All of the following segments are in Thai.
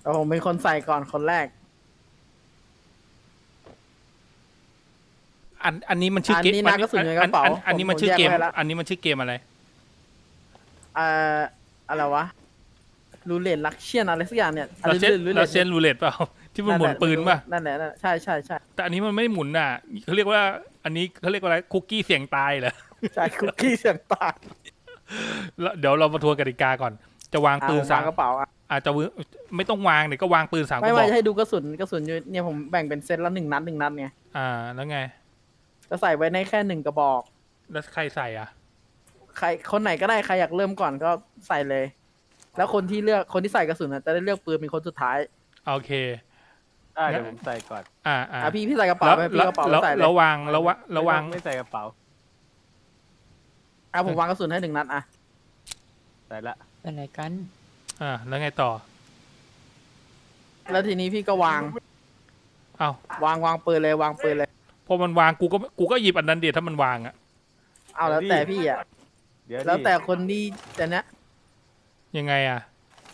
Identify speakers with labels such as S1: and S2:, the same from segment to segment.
S1: แต่ผมเป็นคนใส่ก่อนคนแรก
S2: อันนี้มันชื่อเกม
S1: อันนี้นะกระสุนอยู่ในกระเป๋า
S2: อันนี้มันชื่อเกม
S1: ผมแยกไว้ละ
S2: อันนี้มันชื่อเกมอะไร
S1: เอ่ออะไรวะรูเลตลักเชียนอะไรสักอย่างเนี่ย
S2: เราเซน
S1: รูเล
S2: เรา
S1: ต
S2: เซนรูเล็ตเปล่าที่มันหมุนปืนป่ะ
S1: นั่นแหละใช่ใช่ใช่
S2: แต่อันนี้มันไม่หมุนน่ะเขาเรียกว่า อันนี้เขาเรียกว่าอะไรคุกกี้เสี่ยงตายเหรอ
S1: ใช่คุกกี้เสียงตาย
S2: แล้วเดี๋ยวเรามาทวนกติกาก่อน จะวางปืน
S1: วางกระเป๋าอ่ะ
S2: อาจจะไม่ต้องวางเดี๋ยวก็วางปืน3 ก
S1: ไม่
S2: ระบ
S1: ไม่
S2: อก
S1: ให้ดูกระสุนอยู่เนี่ยผมแบ่งเป็นเซตละ1 นัดไง
S2: แล้วไง
S1: จะใส่ไว้ในแค่1 กระบอก
S2: แล้วใครใส่อ่ะ
S1: ใครคนไหนก็ได้ใครอยากเริ่มก่อนก็ใส่เลย แล้วคนที่ใส่กระสุนน่ะจะได้เลือกปืนเป็นคนสุดท้าย
S2: โอเค
S3: ได้เดี๋ยวผมใส่ก่อน
S1: พี่ใส่กระเป๋า
S2: แล้ว
S1: ไปพี่กระเป๋า
S2: แล้ว
S1: ใส่เลย
S2: ระวัง
S3: ไม่ใส่กระเป๋า
S1: ผมวางกระสุนให้1 นัดอ่ะ
S3: ใส่ละ
S4: ไปไหนกัน
S2: แล้วไงต่อ
S1: แล้วทีนี้พี่ก็วาง
S2: อ้าว
S1: วางปืนเลยวางปืนเลย
S2: พอมันวางกูก็หยิบอันนั้นเดียวถ้ามันวางอ่ะ
S1: เอาแล้วแต่พี่อ่ะ
S3: เดี๋ยว
S1: แล้วแต่คนที่จะเนี้ย
S2: ยังไงอ่ะ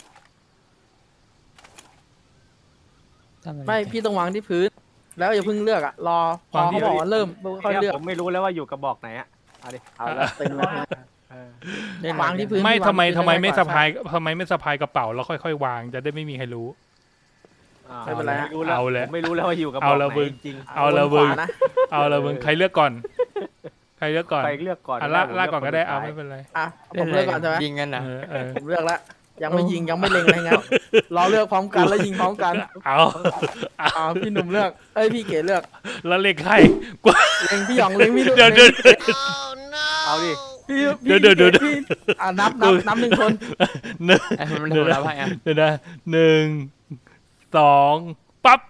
S4: ทำอะไร
S1: ไม่
S4: กัน
S1: พี่ต้องวางที่พื้น แล้วอย่าเพิ่งเลือกอ่ะรอพอ
S2: วางที่
S1: เขาบอกว่าเริ่มค่อย
S3: เนี่ย
S1: เลือก
S3: ผมไม่รู้แล้วว่าอยู่กระบอกไหนอะเอาดิ
S1: เอาแล้วตึงแล้ว
S3: เออ
S4: เล่นอะไร
S1: วางที่พื้น
S2: ไม่
S1: พี่วาง
S2: ทำไม
S1: ที่พื้น
S2: ทำไมไม่
S1: ด้กว่
S2: สะพายทำไมไม่สะพายกระเป๋าแล้วค่อยๆวางจะได้ไม่มีใครรู้
S1: ไม่เป็นไรฮะ
S3: รู้แล้ว
S2: เอาเลย
S3: ผมไม่รู้แล้วว่าอยู่กระบอ
S2: เอา
S3: ก
S2: ละ
S3: ไหน
S2: มึง
S3: จริง
S2: เอาละ
S1: บ
S2: มึ
S1: น
S2: ง
S1: ขวานะ
S2: เอาละมึงใครเลือกก่อน ใครเลือกก่อน
S3: ไปเลือกก่อน
S2: ลาก
S3: ผม
S2: ลากก่อนก็ได้
S3: ค
S2: เอา
S3: สุ
S2: ไม่
S3: ท้ย
S2: เป็นไร
S1: อ่ะผมเลือกก่อนใช่ไหม
S4: ยิงกันเหรอ
S1: ผมเลือกแล้วยังไม่ยิงยังไม่เล็งอะไรเงี้ยรอเลือกพร้อมกันแล้วยิงพร้อมกัน
S2: เอา
S1: พี่หนุ่มเลือกพี่เก๋เลือก
S2: แล้วเลขใครกู
S1: เล็งพี่หยองเล็งพี่หนุ่ม
S2: เดี๋ยว
S1: เล็ง
S3: เอาดิ
S1: พี่
S2: เดี๋ยว
S1: พี่นับ1 คน
S2: หนึ่ง
S4: ไอ้มันทำแล้วไงอ่ะ
S2: เดี๋ยวนะ1 2ปั๊บ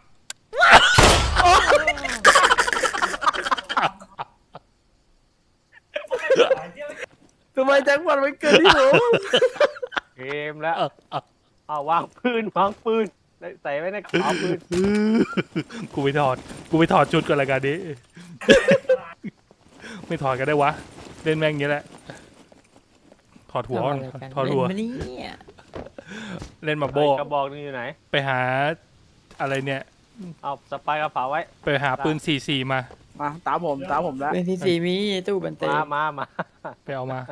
S1: ทำไมแจ็คพอตไม่เกินที่ผม
S3: เกมแล้วเอาวางปืนใส่ไว้ในกระเป๋าปืน
S2: กูไปถอดชุดก่อนละกันดิไม่ถอดกันได้วะเล่นแม่งอย่างนี้แหละถอดหัว
S4: ทำอะไรกัน
S2: ถอดหัว
S4: เล่นมาเนี่ย
S2: เล่นมาโบ
S3: กระบอกนึงอยู่ไหน
S2: ไปหาอะไรเนี่ย
S3: เอาสปายกระเป๋าไว้
S2: ไปหาปืน44มา
S1: มาตามผมแล้ว
S4: เป็นที่สี่มีตู้บันเต
S3: มา
S2: ไปเอามา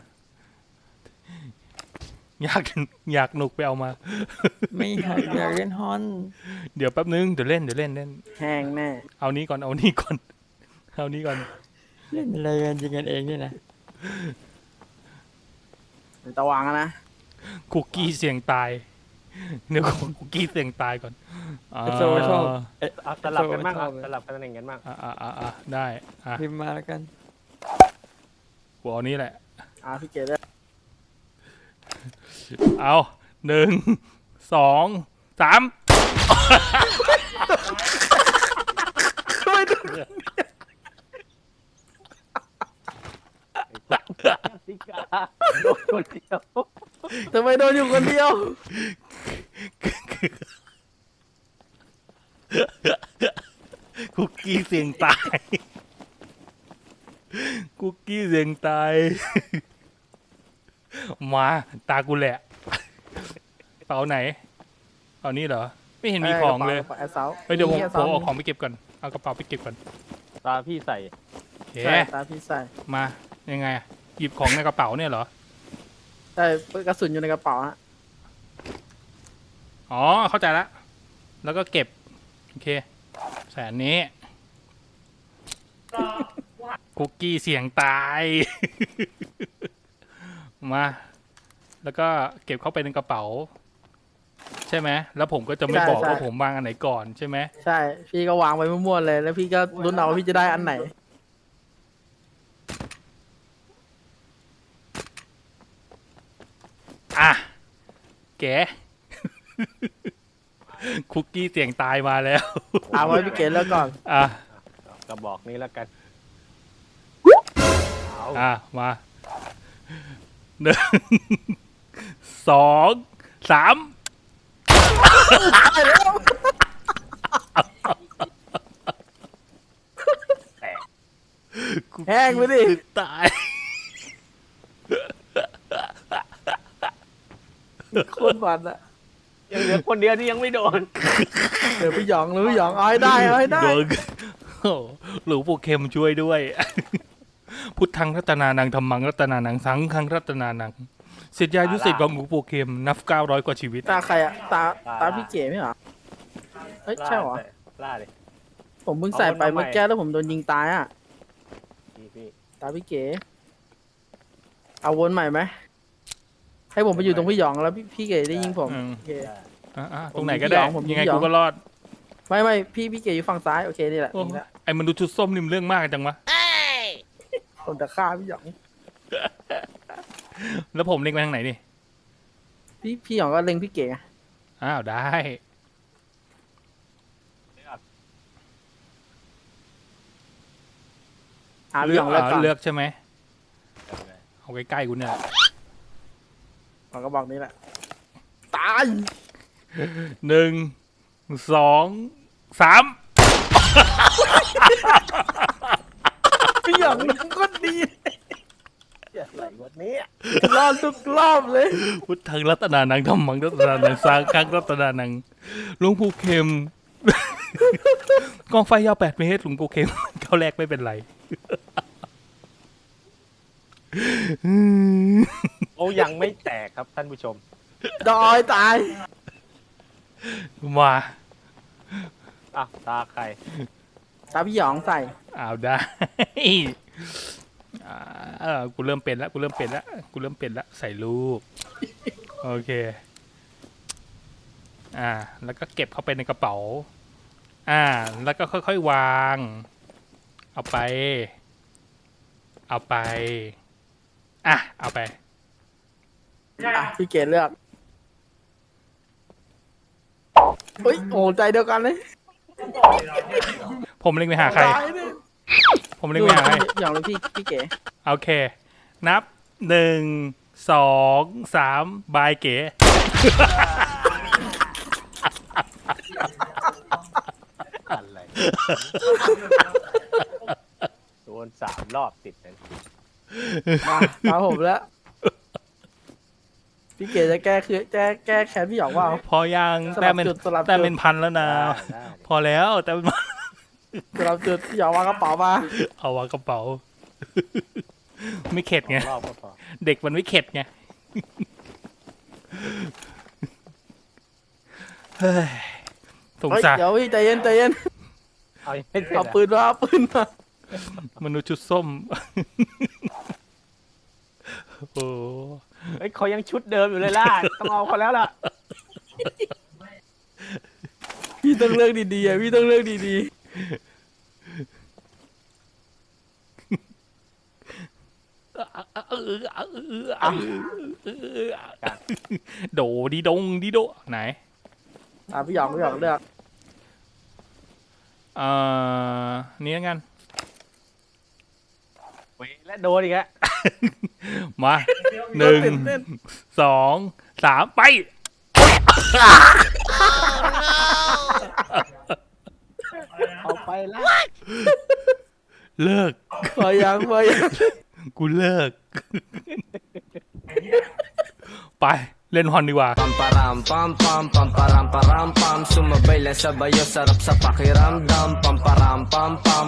S2: อยากหนุกไปเอามา
S4: ไม่อยากเล่นฮอน
S2: เดี๋ยวแป๊บนึงเดี๋ยวเล่น
S1: แห้งแน่
S2: เอานี้ก่อน
S4: เล่นอะไรกันยิงกันเองนี่นะ
S1: ตะวางนะ
S2: คุกกี้เสี่ยงตายเดี๋ยวคุกกี้เสี่ยงตายก่อน
S4: โซชอบ
S3: เอาสลับกันบ้าง
S4: ชอบ
S3: สลับกันตำแหน่งกันบ้าง
S2: ได้
S4: พิมพ์มาแล้วกัน
S2: หัวเอานี้แหละ
S1: พี่เก๋เลือก
S2: เอา1 2 3
S3: สิกาโดนคนเดียว
S1: ทำไมโดนอยู่คนเดียว
S2: คุกกี้เสี่ยงตายคุกกี้เสี่ยงตายมาตากูแหละเป๋าไหนเป๋านี้เหรอไม่เห็นมีของเลย
S1: แอสเซา
S2: เฮ้ยเดี๋ยวผมเอาของไปเก็บก่อนเอากระเป๋าไปเก็บก่อน
S3: ตาพี่ใส่
S2: โอเค
S1: ใช่ตาพี่ใส่
S2: มายังไงอะหยิบของในกระเป๋าเนี่ยเหรอ
S1: ใช่กระสุนอยู่ในกระเป๋าฮะ
S2: อ๋อเข้าใจละแล้วก็เก็บโอเคแสนนี้คุกกี้เสี่ยงตาย มาแล้วก็เก็บเข้าไปในกระเป๋า ใช่ไหมแล้วผมก็จะไม่บอกว่าผมวางอันไหนก่อนใช่ไหม
S1: ใช่พี่ก็วางไว้มั่วๆเลย แล้วพี่ก็ลุ้นเอาว่าพี่จะได้อันไหน
S2: อ่ะแก คุกกี้เสี่ยงตายมาแล้ว
S1: เอาไว้พี่เก๋เลือกก่อน
S2: อ่ะ
S3: กระบอกนี้แล้วกันเอา
S2: มา1 2 3
S1: แห้งไปดิ
S2: ตาย
S1: โคตรมันอะ
S3: ยังเหลือคนเดียวที่ยังไม่โดน
S1: เดี๋ยวพี่หยองหรือพี่หยองเอาให้ได้เอาให้ได้
S2: โดนโอ้หลวงปู่เข็มช่วยด้วย พุทธังรัตนานังธรรมังรัตนานังสังฆังรัตนานังศิษยานุศิษย์ของหลวงปู่เข็มนับ900กว่าชีวิต
S1: ตาใครอะตาพี่เก๋ไม่เหรอเฮ้ยใช่เหรอ
S3: ล่าเลย
S1: ผมเพิ่งใส่ไป
S3: เอาวนมาใหม่
S1: เมื่อกี้แล้วผมโดนยิงตายอ่ะ
S3: พี่
S1: ตาพี่เก๋เอาวนใหม่ไหมให้ผมไปอยู่ตรงพี่หยองแล้วพี่เก๋ได้ยิงผม
S2: อืม
S1: โอเค
S2: ตรงไหนก็ได้
S1: ผม
S2: ยังไง
S1: ยอม
S2: กูก็รอด
S1: ไม่พี่เก๋อยู่ฝั่งซ้ายโอเคนี่แหละ
S2: โอ้
S1: นี่แหละ
S2: ไอ้มนุษย์ชุดส้มนี่มันเรื่องมากจังวะ
S1: ผมจะฆ่าพี่หยอง
S2: แล้วผมเล็งไปทางไหนนี่
S1: พี่หยองก็เล็งพี่เก๋ไง
S2: อ้าวได้
S1: พี่หยองเลือกก่อน
S2: เลือกใช่ไหมเอาใกล้ๆกูเนี่ย
S1: ผมก็บอกนี่แหละตาย
S2: 1 2 3
S1: พี่หยองนั่งก็ดี
S3: อะไรวะเนี่ย
S1: รอดทุกรอบเลย
S2: พุทธังรัตนานังธรรมังรัตนานังสังฆังรัตนานังหลวงปู่เข็ม กองไฟยาว8 เมตรหลวงปู่เข็ม เข้าแรกไม่เป็นไร
S3: โอ้ยังไม่แตกครับท่านผู้ชม
S1: ดอยตาย
S2: มา
S3: อ่ะตาใคร
S1: ตาพี่หยองใส่
S2: เอาได้ กูเริ่มเป็นแล้วกูเริ่มเป็นแล้วใส่ลูกโอเคแล้วก็เก็บเข้าไปในกระเป๋าแล้วก็ค่อยๆวางเอาไปเอาไป
S1: พี่เก๋เลือกเฮ้ยโอ้ใจเดียวกันเลย
S2: ผมเล็งไปหาใคร
S1: ตายเลย
S2: ผมเล็งไปหาใคร
S1: พี่หยองหรือพี่เก๋
S2: โอเค นับ 1 2 3 บายเก๋
S3: อะไรโดน3 รอบติดเลย
S1: มาผมแล้วพี่เก๋จะแก้แค้นพี่หยองว่า
S2: พอยัง
S1: สลับจุด
S2: แต่เป็นพันแล้วนะ
S3: ได้
S2: พอแล้วแต่เป็น
S1: สำหรับจุดพี่หยองวางกระเป๋ามา
S2: เอาวางกระเป๋า ไม่เข็ดไง
S3: รอบก็พอ
S2: เด็กมันไม่เข็ดไง เฮ้ยสง
S1: เฮ้ย
S2: สาร
S1: เดี๋ยวพี่ใจเย็น
S3: เอายังไม่เสร็จ
S1: เอา
S3: อ่ะ
S1: ปืนมาเอาปืนมาม
S2: นุษย์ชุดส้ม โอ้
S3: เฮ้ยเขายังชุดเดิมอยู่เลยล่ะ ต้องเอาเขาแล้วล่ะ
S1: พี่ต้องเลือกดีๆพี่ต้องเลือกดี
S2: โดดีดงดีโดไหน
S1: ๆพี่หยองเลือก
S2: นี่แล้วกัน
S3: เว้ยและโดนอีกแล้ว
S2: มา
S1: ตื่นเต้น
S2: 1 2 3 ไป
S3: เอาไปแล้ว
S2: เลิก
S1: พอยัง
S2: กูเลิก ไป เล่นฮอนดีกว่า
S5: Pam param pam pam pam param param pam Sumabay lang sabayo sarap sa pakiramdam Pam param pam pam